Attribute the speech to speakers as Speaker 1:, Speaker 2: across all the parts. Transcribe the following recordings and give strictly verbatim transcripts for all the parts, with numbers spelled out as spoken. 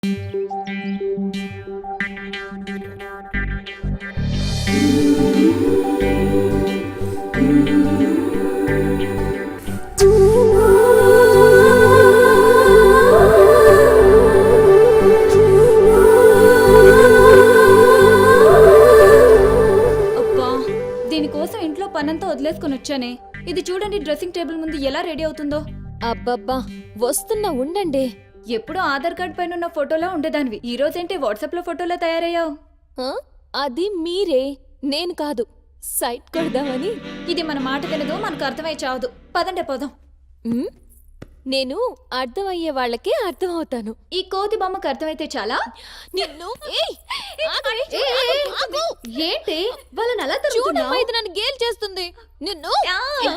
Speaker 1: దీనికోసం ఇంట్లో పనంతా వదిలేసుకుని వచ్చానే. ఇది చూడండి డ్రెస్సింగ్ టేబుల్ ముందు ఎలా రెడీ అవుతుందో.
Speaker 2: అబ్బబ్బా వస్తున్నా ఉండండి.
Speaker 1: ఎప్పుడూ ఆధార్ కార్డ్ పైన ఉన్న ఫోటోలా ఉండేదానివి, ఈ రోజేంటి వాట్సాప్ లో ఫోటోలా తయారయ్యావు?
Speaker 2: ఆ, అది మీరే, నేను కాదు. సైట్ కొడదామని.
Speaker 1: ఇది మన మాట వినదు, మనకు అర్థమై చావదు. పదండే పోదాం.
Speaker 2: ఉమ్, నేను అర్థమయ్యే వాళ్ళకే అర్థం అవుతాను.
Speaker 1: ఈ కోతి బొమ్మకు అర్థమైతే చాలా.
Speaker 2: నిన్ను ఏయ్, ఆగవే,
Speaker 1: ఏయ్, ఏయ్,
Speaker 2: ఆగు.
Speaker 1: ఏంటి వాళ్ళని అలా
Speaker 2: చూడమ్మా,
Speaker 1: తిరుగుతున్నావ్?
Speaker 2: ఇది నన్ను గేల్ చేస్తుంది. నిన్ను
Speaker 1: ఆ!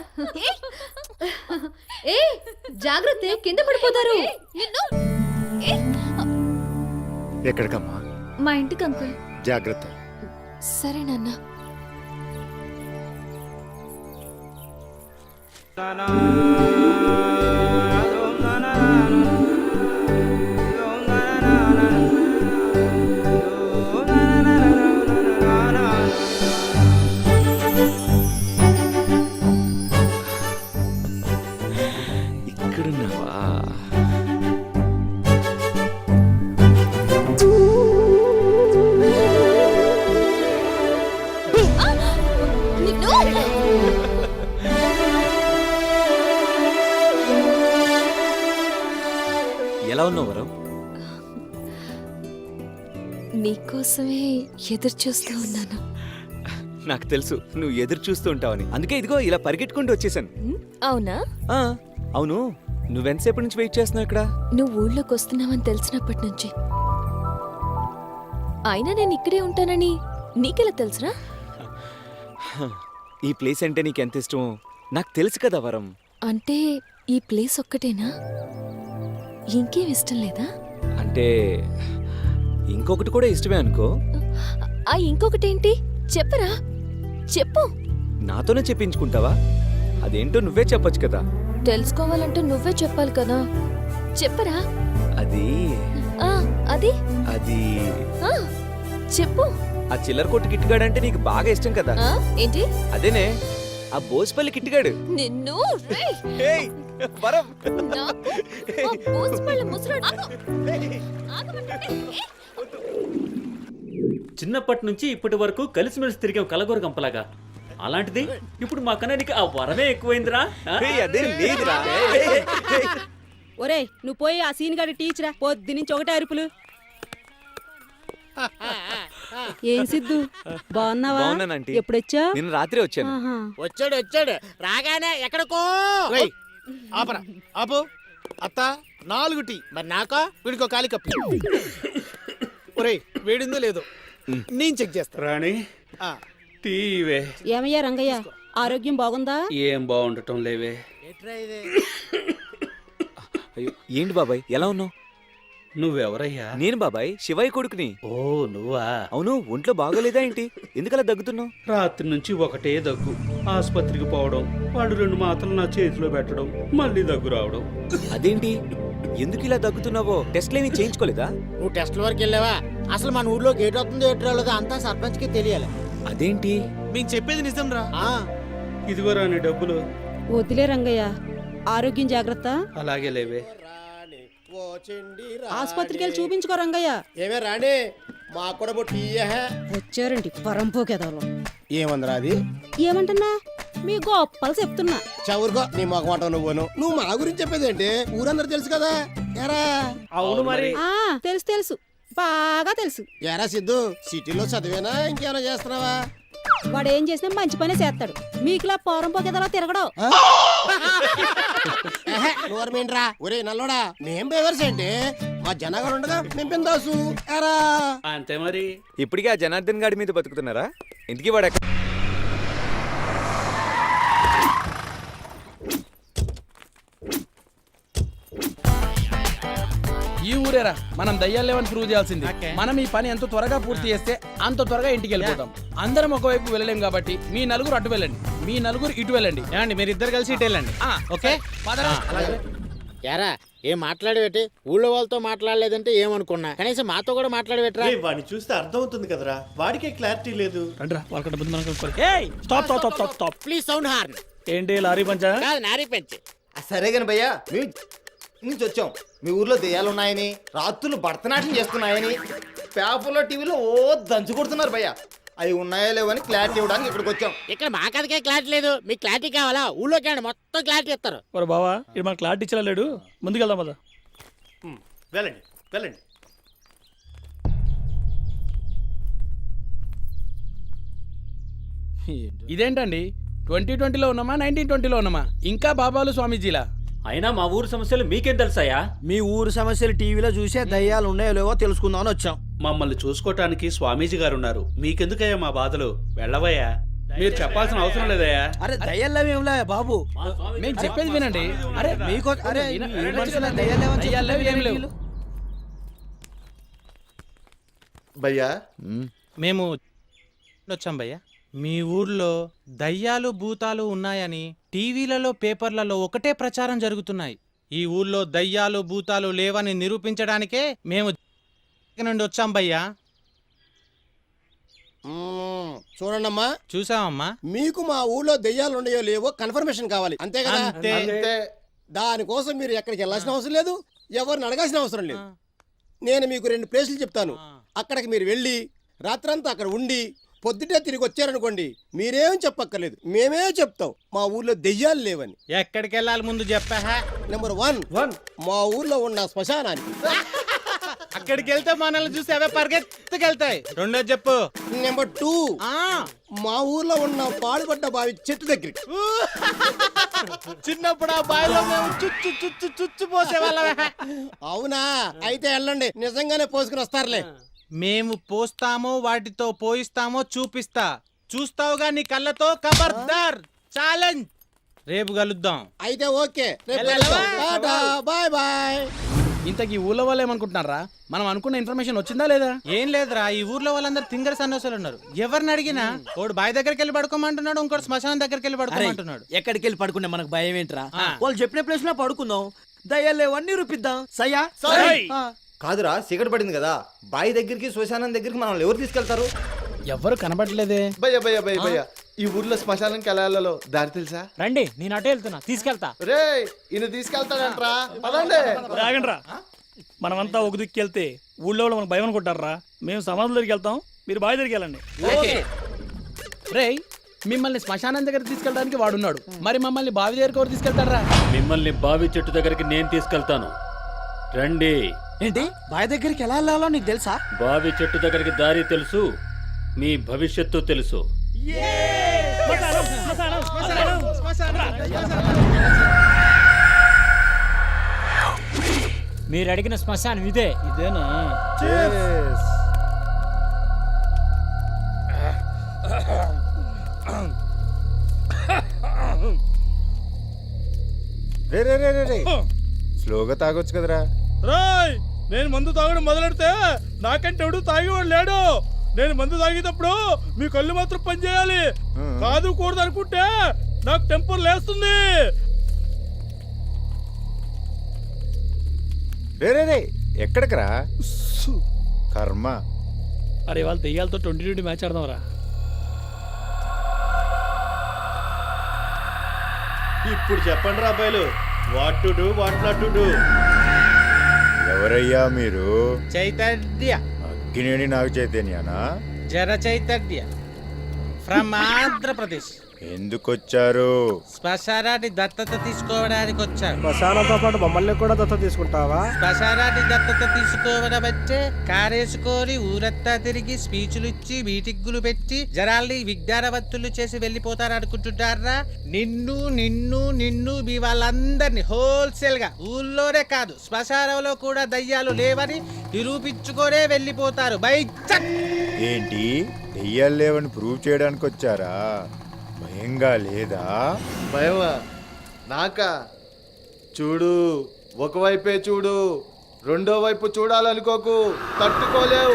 Speaker 1: ఏయ్, జాగ్రత్త, కింద పడిపోతారు.
Speaker 2: నిన్ను ఏయ్.
Speaker 3: ఎక్కడికమ్మా?
Speaker 1: మా ఇంటికి అంకుల్.
Speaker 3: జాగ్రత్త.
Speaker 2: సరే నాన్న.
Speaker 3: ఇక్కడున్నావా?
Speaker 2: నిన్ను
Speaker 3: ఎలా ఉన్నావు వరం?
Speaker 2: నీకోసమే ఎదురు చూస్తూ ఉన్నాను.
Speaker 3: నాకు తెలుసు నువ్వు ఎదురు చూస్తూ ఉంటావని, అందుకే ఇదిగో ఇలా పరిగెట్టుకుంటూ వచ్చేసాను.
Speaker 2: ఉమ్, అవునా?
Speaker 3: ఆ, అవును, నువ్వెంతసేపటి నుంచి వెయిట్ చేస్తున్నావు ఇక్కడ?
Speaker 2: నువ్వు ఊళ్ళోకి వస్తున్నావని తెలిసినప్పటి నుంచి. అయినా నేను ఇక్కడే ఉంటానని నీకెలా తెలుసురా?
Speaker 3: ఈ ప్లేస్ అంటే నీకెంత ఇష్టమో నాకు తెలుసు కదా వరం.
Speaker 2: అంటే ఈ ప్లేస్ ఒక్కటేనా? ఇంకేం ఇష్టం లేదా?
Speaker 3: అంటే ఇంకొకటి కూడా ఇష్టమే అనుకో.
Speaker 2: ఆ ఇంకొకటేంటి చెప్పరా? చెప్పు.
Speaker 3: నాతోనే చెప్పించుకుంటావా? అదేంటో నువ్వే చెప్పొచ్చు కదా.
Speaker 2: తెలుసుకోవాలంటే నువ్వే చెప్పాలి కదా. చెప్పరా?
Speaker 3: అది
Speaker 2: ఆ అది
Speaker 3: అది
Speaker 2: ఆ చెప్పు.
Speaker 3: ఆ చిల్లర కొట్టు కిట్టుగాడంటే నీకు బాగా ఇష్టం కదా.
Speaker 2: ఆ ఏంటి?
Speaker 3: అదేనే, ఆ బోస్పల్లి కిట్టుగాడు.
Speaker 2: నిన్ను రేయ్!
Speaker 3: ఏయ్, వరం.
Speaker 2: నాకు ఆ బూస్పళ్ళ ముసరాడు. ఆగమంటుంటే ఏ?
Speaker 4: చిన్నప్పటి నుంచి ఇప్పటి వరకు కలిసిమెలిసి తిరిగాం కలగూర గంపలాగా. అలాంటిది ఇప్పుడు మా కన్నానికి ఆ వరమే ఎక్కువైందిరా. ఆ?
Speaker 3: ఏయ్, అదేం లేదురా. ఏయ్, ఏయ్, ఏయ్.
Speaker 5: ఒరేయ్ నువ్వు పోయి ఆ సీన్ గారి టీచరా, పొద్దు నుంచి ఒకటే అరుపులు. ఏం సిద్ధు బాగున్నావా?
Speaker 3: బాగున్నాను ఆంటీ.
Speaker 5: ఎప్పుడొచ్చా?
Speaker 3: నిన్న రాత్రి వచ్చాను.
Speaker 6: వచ్చాడు వచ్చాడు రాగానే ఎక్కడికో
Speaker 7: రేయ్, ఆపరా ఆపు. అత్త నాలుగు టీ.
Speaker 6: మరి నాకో
Speaker 7: వీడికో కాలి కప్పి. ఒరేయ్ వేడిందో లేదో నేను చెక్ చేస్తా.
Speaker 4: రాణి
Speaker 7: ఆ,
Speaker 4: టీవే
Speaker 5: ఏమయ్యా రంగయ్య, ఆరోగ్యం బాగుందా?
Speaker 4: ఏం బాగుండటం లేవే.
Speaker 6: ఎట్రా ఇది?
Speaker 3: అయ్యో, ఏంటి బాబాయ్ ఎలా ఉన్నావు?
Speaker 4: నువ్వెవరయ్యా?
Speaker 3: నేను బాబాయ్ శివయ్య కొడుకుని.
Speaker 4: ఓ నువ్వా?
Speaker 3: అవును, ఒంట్లో బాగోలేదా ఏంటి? ఎందుకలా దగ్గుతున్నావు?
Speaker 4: రాత్రి నుంచి ఒకటే దగ్గు. ఆసుపత్రికి పోవడం, వాడు రెండు మాత్రలు నా చేతిలో పెట్టడం, మళ్ళీ దగ్గు రావడం.
Speaker 3: అదేంటి, ఎందుకు ఇలా దగ్గుతున్నావో టెస్ట్లేమీ చేయించుకోలేదా?
Speaker 6: నువ్వు టెస్ట్ల వరకు వెళ్ళావా? అసలు మన ఊర్లో గేట్ అవుతుందో ఎటు రాలేదో అంతా సర్పంచ్ కి తెలియాలి.
Speaker 3: అదేంటి?
Speaker 7: మేము చెప్పేది నిజం రా.
Speaker 6: ఆ,
Speaker 4: ఇదిగో రాని డబ్బులు.
Speaker 5: వదిలే రంగయ్య, ఆరోగ్యం జాగ్రత్త.
Speaker 4: అలాగే లేవే.
Speaker 5: ఆసుపత్రికి వెళ్ళి చూపించుకో రంగయ్య.
Speaker 6: ఏమే రాణి, మాకు కూడా బొట్టి ఇయ్యహే.
Speaker 5: వచ్చారండి పరంపోకేదాలో.
Speaker 6: ఏమందిరా అది?
Speaker 5: ఏమంటున్నా? మీ గొప్పలు చెప్తున్నా.
Speaker 6: చవురుకో నీ మొగమాట నువ్వును. నువ్వు మా గురించి చెప్పేది ఏంటి? ఊరందరూ తెలుసు కదా. ఎరా
Speaker 4: అవును మరి.
Speaker 5: ఆ తెలుసు తెలుసు, బాగా తెలుసు.
Speaker 6: ఎరా సిద్ధు, సిటీలో చదివేనా ఇంకేమైనా చేస్తున్నావా?
Speaker 5: వాడు ఏం చేసినా మంచి పనే చేస్తాడు. మీకులా పరంపోకేదాలో తిరగడం.
Speaker 6: నోరమేంట్రా? ఒరే నల్లోడా, మేం బేవర్స్ ఏంటి? మా జనగారు ఉండగా మేము పిందాసు. ఎరా
Speaker 4: అంతే మరి.
Speaker 3: ఇప్పటికే ఆ జనార్దన్ గాడి మీద బతుకుతున్నారా? ఇంటికి వాడు ఎక్కడ?
Speaker 8: ఈ ఊరేరా మనం దయ్యాలేమని ప్రూవ్ చేయాల్సింది. మనం ఈ పని ఎంత త్వరగా పూర్తి చేస్తే అంత త్వరగా ఇంటికి వెళ్ళిపోతాం. అందరం ఒకవైపు వెళ్ళలేం కాబట్టి మీ నలుగురు అటు వెళ్ళండి, మీ నలుగురు ఇటు వెళ్ళండి.
Speaker 7: ఏమండి మీరు ఇద్దరు కలిసి ఇటు వెళ్ళండి.
Speaker 8: ఓకే
Speaker 6: ఎరా
Speaker 9: ఏం మాట్లాడబెట్టి ఊళ్ళో వాళ్ళతో మాట్లాడలేదంటే ఏమనుకున్నా కనీసం మాతో కూడా మాట్లాడబెట్టరా.
Speaker 10: వాడిని చూస్తే అర్థం అవుతుంది కదరా, వాడికే క్లారిటీ లేదు.
Speaker 8: Stop stop stop stop stop
Speaker 9: please sound horn.
Speaker 8: ఏంటి లారీ పంచా?
Speaker 9: కాదు నారీ పెంచి.
Speaker 11: సరే కాని భయ్యా మేము నుంచి వచ్చాం. మీ ఊర్లో దెయ్యాలు ఉన్నాయని, రాత్రులు భరతనాట్యం చేస్తున్నాయని పేపర్లో టీవీలో ఓ దంచు కొడుతున్నారు భయ్యా. అవి ఉన్నాయో లేవని క్లారిటీ ఇవ్వడానికి ఇక్కడికి వచ్చాం.
Speaker 9: ఇక్కడ మా కథకే క్లారిటీ లేదు, మీకు క్లారిటీ కావాలా? ఊళ్ళోకి రండి, మొత్తం క్లారిటీ ఇస్తారు.
Speaker 8: ఒరే బావా ఇది మన క్లారిటీ ఇచ్చా లేడు, ముందుకెళ్దాం పద.
Speaker 10: ఉమ్, వెళ్ళండి వెళ్ళండి.
Speaker 8: ఇదేంటండి ట్వంటీ ట్వంటీలో ఉన్నామా నైన్టీన్ ట్వంటీలో ఉన్నామా? ఇంకా బాబాలు స్వామీజీలా?
Speaker 4: అయినా మా ఊరు సమస్యలు మీకేం తెలుసాయా?
Speaker 7: మీ ఊరు సమస్యలు టీవీలో చూసే దయ్యాలు ఉన్నాయో లేవో తెలుసుకుందామని వచ్చాం.
Speaker 10: మమ్మల్ని చూసుకోవటానికి స్వామీజీ గారు ఉన్నారు. మీకెందుకయ్యా మా బాధలు? వెళ్ళవయ్యా, మీరు చెప్పాల్సిన అవసరం లేదయ్యా.
Speaker 7: అరే దయ్యాలు ఏమిలా బాబు,
Speaker 8: మేము చెప్పేది వినండి. అరే
Speaker 7: మీకు అరే
Speaker 8: విన-
Speaker 7: ఈ
Speaker 8: వినొచ్చు
Speaker 7: మనుషుల
Speaker 8: కదా.
Speaker 7: దయ్యాలు లేవని
Speaker 8: దయ్యాలు లేవు, ఏం
Speaker 7: చెప్తున్నారు
Speaker 8: లేవు.
Speaker 10: భయ్యా
Speaker 12: మేము వచ్చాం భయ్య. మీ ఊర్లో దయ్యాలు భూతాలు ఉన్నాయని టీవీలలో పేపర్లలో ఒకటే ప్రచారం జరుగుతున్నాయి. ఈ ఊర్లో దయ్యాలు భూతాలు లేవని నిరూపించడానికే మేము నుండి వచ్చాం భయ్యా.
Speaker 6: మ్మ్, చూడండమ్మా,
Speaker 12: చూసామమ్మా.
Speaker 6: మీకు మా ఊళ్ళో దెయ్యాలు ఉన్నాయో లేవో కన్ఫర్మేషన్ కావాలి, అంతే కదా?
Speaker 12: అంతే.
Speaker 6: దానికోసం మీరు ఎక్కడికి వెళ్ళాల్సిన అవసరం లేదు, ఎవరిని అడగాల్సిన అవసరం లేదు. నేను మీకు రెండు ప్లేసులు చెప్తాను, అక్కడికి మీరు వెళ్ళి రాత్రంతా అక్కడ ఉండి పొద్దుటే తిరిగి వచ్చారనుకోండి, మీరేం చెప్పక్కర్లేదు, మేమే చెప్తాం మా ఊర్లో దెయ్యాలు లేవని.
Speaker 12: ఎక్కడికి వెళ్ళాలి ముందు చెప్పా.
Speaker 6: నెంబర్ వన్ వన్ మా ఊర్లో ఉన్న శ్మశానానికి.
Speaker 12: అక్కడికి వెళ్తే మనల్ని చూసి అవే పరిగెత్తుకెళ్తాయి. రెండో చెప్పు.
Speaker 6: నెంబర్ టూ
Speaker 12: ఆ
Speaker 6: మా ఊర్లో ఉన్న పాడుపడ్డ బావి చెట్టు దగ్గరికి.
Speaker 12: చిన్నప్పుడు ఆ బావిలో మేము చుచ్చు చుచ్చు చుచ్చు పోసేవాళ్ళమే.
Speaker 6: అవునా, అయితే వెళ్ళండి, నిజంగానే పోసుకుని వస్తారులే.
Speaker 12: మేము పోస్తామో వాటితో పోయిస్తామో చూపిస్తా. చూస్తావుగా నీ కళ్ళతో. ఖబర్దార్, ఛాలెంజ్. రేపు కలుద్దాం.
Speaker 6: అయితే ఓకే, రేపు
Speaker 12: వెళ్ళాలా?
Speaker 6: కలుద్దాం. Tata, bye bye.
Speaker 8: ఇంతకీ ఊళ్ళో వాళ్ళు ఏమనుకుంటున్నారా? మనం అనుకున్న ఇన్ఫర్మేషన్ వచ్చిందా లేదా?
Speaker 12: ఏం లేదురా, ఈ ఊర్లో వాళ్ళందరూ తింగర సన్నోసాలు ఉన్నారు. ఎవరిని అడిగినా వాడు బావి దగ్గరికి వెళ్ళి పడుకోమంటున్నాడు, ఇంకోటి శ్మశానం దగ్గరికి వెళ్ళి పడుకోమంటున్నాడు.
Speaker 7: ఎక్కడికి వెళ్ళి పడుకునే మనకు భయం ఏంట్రా? వాళ్ళు చెప్పిన ప్లేస్ లో పడుకుందాం, దయ్యాలు లేవని నిరూపిద్దాం. సయ్యా? ఆ.
Speaker 11: కాదురా, చీకటి పడింది కదా, బావి దగ్గరికి శ్మశానం దగ్గరికి మనం ఎవరు తీసుకెళ్తారు?
Speaker 8: ఎవ్వరు కనబడలేదే.
Speaker 10: భయ్య భయ్య భయ్య భయ్య ఈ ఊర్లో శ్మశానం కెళ్ళాలలో దారి తెలుసా?
Speaker 12: రండి, నేను అటే వెళ్తున్నా, తీసుకెళ్తా.
Speaker 10: రే ఈయన తీసుకెళ్తాడంట్రా, పదండి.
Speaker 8: రాగండ్రా, మనమంతా ఒక దిక్కు వెళ్తే ఊళ్ళో వాళ్ళు మనకు భయం అనుకుంటారా? మేము సమాధుల దగ్గరికి వెళ్తాం, మీరు బావి దగ్గరికి వెళ్ళండి. రే మిమ్మల్ని శ్మశానం దగ్గర తీసుకెళ్ళడానికి వాడున్నాడు, మరి మమ్మల్ని బావి దగ్గరికి ఎవరు తీసుకెళ్తారా?
Speaker 4: మిమ్మల్ని బావి చెట్టు దగ్గరికి నేను తీసుకెళ్తాను, రండి.
Speaker 7: ఏంటి బావి దగ్గరికి ఎలా వెళ్ళాలో నీకు తెలుసా?
Speaker 4: బావి చెట్టు దగ్గరికి దారి తెలుసు, మీ భవిష్యత్తు తెలుసు.
Speaker 12: మీరు అడిగిన శ్మశానం ఇదే.
Speaker 8: ఇదేనా?
Speaker 11: రే రే రే రే రే స్లోగా తాగొచ్చు కదరా.
Speaker 8: రాయ్, నేను మందు తాగడం మొదలెడితే నాకంటే ఎవడు తాగేవాడు లేడు. నేను మందు తాగేటప్పుడు మీ కళ్ళు మాత్రం పనిచేయాలి, కాదు కూడదు అనుకుంటే నాకు టెంపర్ లేస్తుంది.
Speaker 11: రే రే రే ఎక్కడికి రా కర్మ.
Speaker 8: అరే వాళ్ళు దెయ్యాలతో ట్వంటీ ట్వంటీ మ్యాచ్ ఆడదాం రా.
Speaker 10: ఇప్పుడు చెప్పండి రా అబ్బాయిలు, what to do what not to do.
Speaker 11: ఎవరయ్యా మీరు?
Speaker 12: చైతన్య,
Speaker 11: అగ్గినేని నాగ చైతన్యనా?
Speaker 12: జర చైతన్య ఫ్రమ్ ఆంధ్రప్రదేశ్.
Speaker 11: ఎందుకొచ్చారు?
Speaker 12: శ్మశానాన్ని దత్తత తీసుకోవడానికి వచ్చాను.
Speaker 7: శ్మశానంతో పాటు మమ్మల్ని కూడా దత్త తీసుకుంటావా?
Speaker 12: శ్మశానాన్ని దత్తత తీసుకోవడం అంటే కారేసుకొని ఊరంతా తిరిగి స్పీచ్లు ఇచ్చి మీటింగులు పెట్టి జనాల్ని విజ్ఞానవంతులు చేసి వెళ్ళిపోతారు అనుకుంటున్నారా? నిన్ను నిన్ను నిన్ను మీ వాళ్ళందరినీ హోల్సేల్ గా ఊళ్ళోనే కాదు శ్మశానంలో కూడా దయ్యాలు లేవని నిరూపించుకొనే వెళ్ళిపోతారు. బై చక్.
Speaker 11: ఏంటి దెయ్యాలు లేవని ప్రూవ్ చేయడానికి వచ్చారా? భయంగా లేదా?
Speaker 10: భయమా నాకా? చూడు, ఒకవైపే చూడు, రెండో వైపు చూడాలనుకోకు, తట్టుకోలేవు,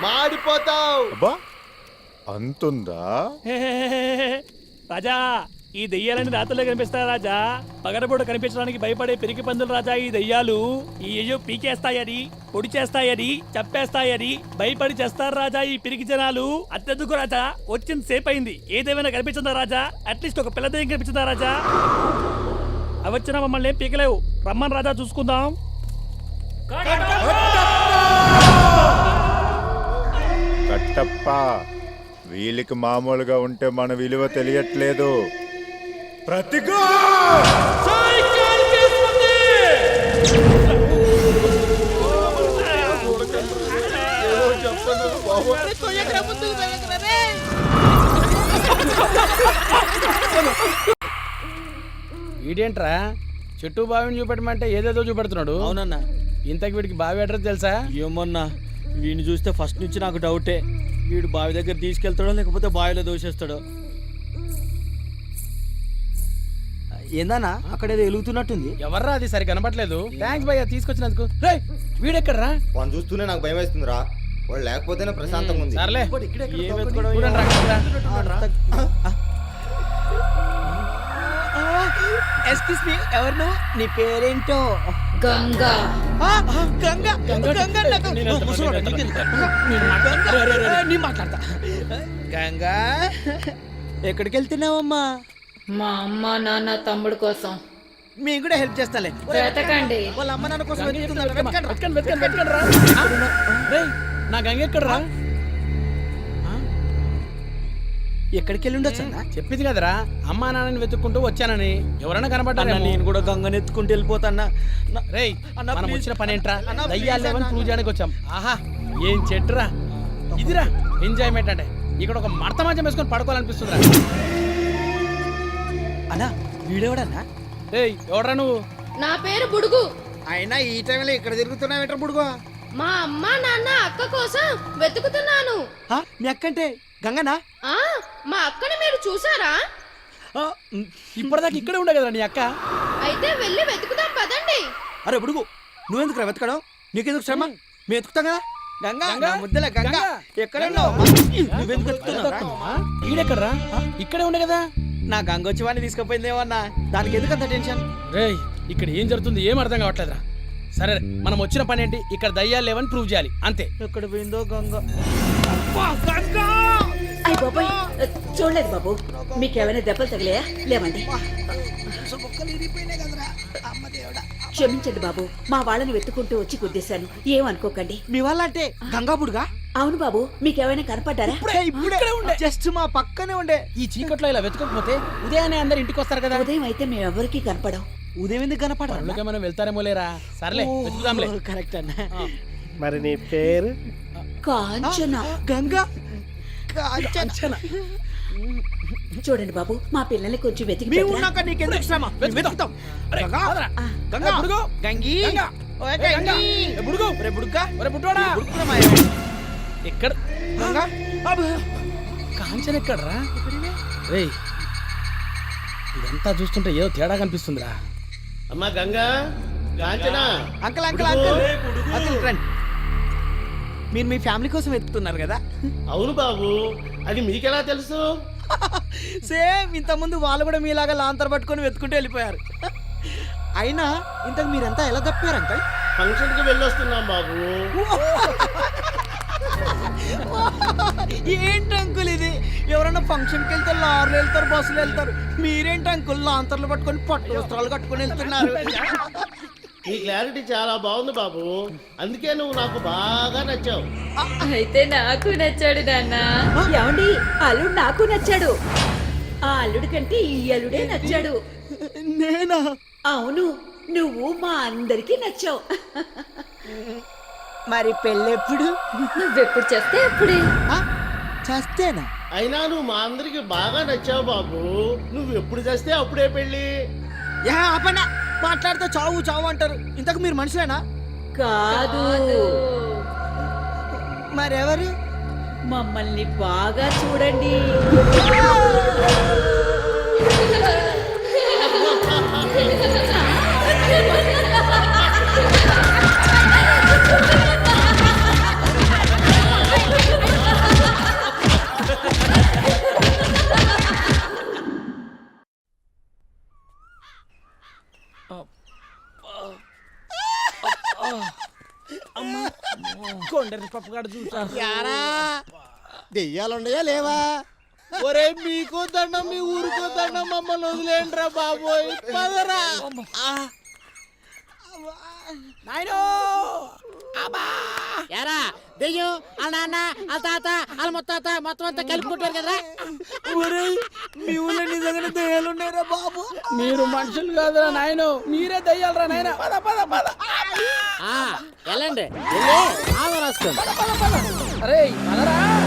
Speaker 10: మాడిపోతావు.
Speaker 11: అబ్బా అంతుందా?
Speaker 8: రాజా, ఈ దెయ్యాలని రాత్రులే కనిపిస్తాయి రాజా. పగడబోడు కనిపించడానికి భయపడే పిరికి పందులు రాజా ఈ దెయ్యాలు. ఈ అయ్యో పీకేస్తాయని, పొడి చేస్తాయని, చంపేస్తాయని భయపడి చేస్తారు రాజా ఈ పిరికి జనాలు. అత్యధిక రాజా వచ్చింది సేపు అయింది. ఏదేమైనా కనిపించిందా రాజా? అట్లీస్ట్ ఒక పిల్ల దెయ్యం కనిపించిందా రాజా? అవి వచ్చినా మమ్మల్ని ఏం పీకలేవు. రమ్మని రాజా చూసుకుందాం.
Speaker 13: కట్టప్ప, వీళ్ళకి మామూలుగా ఉంటే మన విలువ తెలియట్లేదు. ప్రతిగా
Speaker 8: వీడేంట్రా చెట్టు బావిని చూపెట్టమంటే ఏదేదో చూపెడుతున్నాడు.
Speaker 7: అవునన్నా.
Speaker 8: ఇంతకు వీడికి బావి అడ్రస్ తెలుసా?
Speaker 7: ఏమన్నా వీడిని చూస్తే ఫస్ట్ నుంచి నాకు డౌటే. వీడు బావి దగ్గర తీసుకెళ్తాడో లేకపోతే బావిలో దోషేస్తాడో. ఏందన్నా అక్కడ ఏదో వెలుగుతున్నట్టుంది.
Speaker 8: ఎవర్రా అది సరి కనపట్లేదు. థ్యాంక్స్ భయ్యా తీసుకొచ్చినందుకు. రేయ్ వీడెక్కడ్రా?
Speaker 11: వాడిని చూస్తూనే నాకు భయం వేస్తుందిరా. వాడు లేకపోతేనే ప్రశాంతంగా ఉంది.
Speaker 8: సర్లే
Speaker 7: ఏం వెతుకోవడం?
Speaker 8: చూడండి రా, రా.
Speaker 7: ఎక్స్క్యూజ్ మీ, ఎవరు నువ్వు? నీ పేరేంటో?
Speaker 1: గంగా.
Speaker 7: ఆ, ఆ, గంగ గంగ నాకు-
Speaker 8: నేను వెళ్తా,
Speaker 7: ముసలోడా,
Speaker 8: నేను
Speaker 7: నీకు
Speaker 8: వెళ్తా.
Speaker 7: తెలుసా?
Speaker 8: నేను మాట్లాడతా. రే, రే, రే, రే.
Speaker 7: నేను మాట్లాడతా. గంగా ఎక్కడికి వెళ్తున్నావమ్మా?
Speaker 1: మా అమ్మ నాన్న తమ్ముడు కోసం
Speaker 7: మేము కూడా హెల్ప్ చేస్తాలే.
Speaker 1: వెతకండి.
Speaker 7: వాళ్ళ అమ్మ నాన్న కోసం వెతుకుతున్నారు. వెతకండి రా.
Speaker 8: వెతకండి, వెతకండి, వెతకండి రా. రేయ్ నా గంగ ఎక్కడ్రా?
Speaker 7: ఎక్కడికి వెళ్ళి ఉండొచ్చు అన్న?
Speaker 8: చెప్పింది కదరా అమ్మా నాన్నని వెతుక్కుంటూ వచ్చానని. ఎవరైనా కనబడ్డారా?
Speaker 7: అన్న, నేను కూడా గంగని ఎత్తుకుంటూ వెళ్ళిపోతాన్నా.
Speaker 8: రేయ్
Speaker 7: అన్న,
Speaker 8: మనం
Speaker 7: please.
Speaker 8: వచ్చిన పని ఏంట్రా?
Speaker 7: అన్న, please
Speaker 8: దయ్యాలు లేవని
Speaker 7: అన్న.
Speaker 8: ప్రూవ్ చేయడానికి వచ్చాం. ఆహా ఏం చెట్టురా ఇదిరా ఎంజాయ్మెంట్ అంటే. ఇక్కడ ఒక మడత మంచం వేసుకొని పడుకోవాలనిపిస్తుందిరా.
Speaker 7: అన్నా వీడెవడన్నా?
Speaker 8: రేయ్ ఎవడ్రా నువ్వు?
Speaker 1: నా పేరు బుడుగు.
Speaker 7: అయినా ఈ టైంలో ఇక్కడ తిరుగుతున్నావు ఏంట్రా బుడుగో?
Speaker 1: మా అమ్మ నాన్న అక్క కోసం వెతుకుతున్నాను.
Speaker 7: ఆ, మీ అక్కంటే గంగనా?
Speaker 1: ఆ మా అక్కని మీరు చూసారా?
Speaker 7: ఆ, ఉమ్,
Speaker 8: ఇప్పటిదాకా ఇక్కడే ఉండే కదరా నీ అక్క.
Speaker 1: అయితే వెళ్ళి వెతుకుదాం పదండి.
Speaker 7: అరే బుడుగు, నువ్వెందుకు రా వెతకడం? నీకెందుకు శ్రమ? మేము వెతుకుతాం కదా. గంగా
Speaker 8: గంగా?
Speaker 7: నా ముద్దల గంగా
Speaker 8: గంగా?
Speaker 7: ఎక్కడ ఉన్నావు? నువ్వెందుకు వెతుకుతున్నావురా?
Speaker 8: ఈడెక్కడ్రా? ఇక్కడే ఉండే కదా.
Speaker 7: నా గంగ వచ్చి వాడిని తీసుకుపోయిందేమో అన్న. దానికి ఎందుకు అంత టెన్షన్?
Speaker 8: రేయ్ ఇక్కడ ఏం జరుగుతుంది ఏం అర్థం కావట్లేదురా. సరే మనం వచ్చిన పని ఏంటి? ఇక్కడ దయ్యాలు లేవని ప్రూవ్ చేయాలి అంతే.
Speaker 7: ఎక్కడ పోయిందో గంగ.
Speaker 5: అయ్య బాబాయ్, చూడలేదు బాబు. మీకేమైనా దెబ్బలు తగిలాయా? లేవండి. క్షమించండి బాబు, మా వాళ్ళని వెతుకుంటూ వచ్చి గుద్దేశాను. ఏమనుకోకండి.
Speaker 7: మీ వాళ్ళ అంటే గంగా బుడుగా?
Speaker 5: అవును బాబు, మీకేమైనా కనపడ్డారా?
Speaker 7: ఇప్పుడే ఉండే, జస్ట్ మా పక్కనే ఉండే.
Speaker 8: ఈ చీకట్లో ఇలా వెతకకపోతే ఉదయాన్నే అందరు ఇంటికి వస్తారు కదా.
Speaker 5: ఉదయం అయితే మేమెవరికి కనపడం.
Speaker 7: ఉదయం ఎందుకు కనపడరా?
Speaker 8: అందుకే మనం వెళ్తారేమో లేరా. సర్లే వెతుకుదాంలే.
Speaker 7: కరెక్ట్ అన్న.
Speaker 10: మరి నీ పేరు?
Speaker 5: కాంచన.
Speaker 7: గంగా
Speaker 8: అంచన.
Speaker 5: చూడండి బాబు, మా పిల్లల్ని కొంచెం వెతికి
Speaker 7: మేము
Speaker 5: పెట్టరా?
Speaker 7: ఉన్నాక నీకెందుకు శ్రమ? మేము వెతుకుతాం.
Speaker 8: అరే,
Speaker 7: గంగా,
Speaker 8: కాదురా.
Speaker 7: గంగా,
Speaker 8: ఏ, బుడుగు.
Speaker 7: గంగి,
Speaker 8: గంగా.
Speaker 7: ఓయ్
Speaker 8: ఏ, గంగా.
Speaker 7: గంగి.
Speaker 8: ఏ, బుడుగు.
Speaker 7: ఒరే బుడుగ్గా,
Speaker 8: ఒరే పుట్టోడా.
Speaker 7: బుడుగురా మాయా.
Speaker 8: ఎక్కడ
Speaker 7: గంగా,
Speaker 8: కాంచన ఎక్కడ్రా? రేయ్ ఇదంతా చూస్తుంటే ఏదో తేడా కనిపిస్తుందిరా.
Speaker 10: అమ్మా Ganga, Kanchana.
Speaker 7: Uncle uncle uncle uncle రండి. మీరు మీ ఫ్యామిలీ కోసం వెతుకుతున్నారు కదా?
Speaker 10: అవును బాబు, అది మీకెలా తెలుసు?
Speaker 7: సేమ్ ఇంత ముందు వాళ్ళు కూడా మీలాగా లాంతర్ పట్టుకొని వెతుకుంటూ వెళ్ళిపోయారు. అయినా ఇంతకు మీరంతా ఎలా తప్పారు అంకుల్?
Speaker 10: ఫంక్షన్ కి వెళ్ళొస్తున్నాం బాబు.
Speaker 7: ఏంటి అంకుల్ ఇది? ఎవరన్నా ఫంక్షన్కి వెళ్తే లారీలు వెళ్తారు, బస్సులు వెళ్తారు. మీరేంటి అంకుల్ లాంతర్లు పట్టుకొని పట్టు వస్త్రాలు కట్టుకొని వెళ్తున్నారు?
Speaker 10: నీ క్లారిటీ చాలా బాగుంది బాబు, అందుకే నువ్వు నాకు బాగా నచ్చావు.
Speaker 1: అయితే నాకు నచ్చాడు నాన్న.
Speaker 5: ఏమండి, అల్లుడు నాకు నచ్చాడు. ఆ అల్లుడి కంటే ఈ అల్లుడే నచ్చాడు.
Speaker 7: నేనా?
Speaker 5: అవును, నువ్వు మా అందరికి నచ్చావు.
Speaker 7: మరి పెళ్ళెప్పుడు?
Speaker 1: నువ్వెప్పుడు చేస్తే అప్పుడే.
Speaker 7: చేస్తేనా?
Speaker 10: అయినా నువ్వు మా అందరికి బాగా నచ్చావు బాబు, నువ్వు ఎప్పుడు చేస్తే అప్పుడే పెళ్ళి.
Speaker 7: యా ఆపండి, మాట్లాడితే చావు చావు అంటారు. ఇంతకు మీరు మనుషులేనా?
Speaker 5: కాదు,
Speaker 7: మరెవరు?
Speaker 5: మమ్మల్ని బాగా చూడండి.
Speaker 8: క్యారెట్ పప్పు కాడ చూసా
Speaker 6: యారా దెయ్యాలున్నాయా లేవా?
Speaker 7: ఒరే మీకు దండం మీ ఊరికో దండం మమ్మల్ని వదిలేండిరా బాబోయ్ పదరా
Speaker 8: నాయనో
Speaker 9: ఎరా దెయ్యం వాళ్ళ నాన్న వాళ్ళ తాత వాళ్ళ ముత్తాత మొత్తం అంతా కలుపుకుంటారు కదరా.
Speaker 7: మీ ఊళ్ళో నిజంగానే దయ్యాలు ఉన్నాయిరా బాబు.
Speaker 8: మీరు మనుషులు కాదురా నాయనో, మీరే దయ్యాలరా నాయన. పద పద పద.
Speaker 9: వెళ్ళండి వెళ్ళి ఆవ రాసుకోండి.
Speaker 8: అరే పదరా.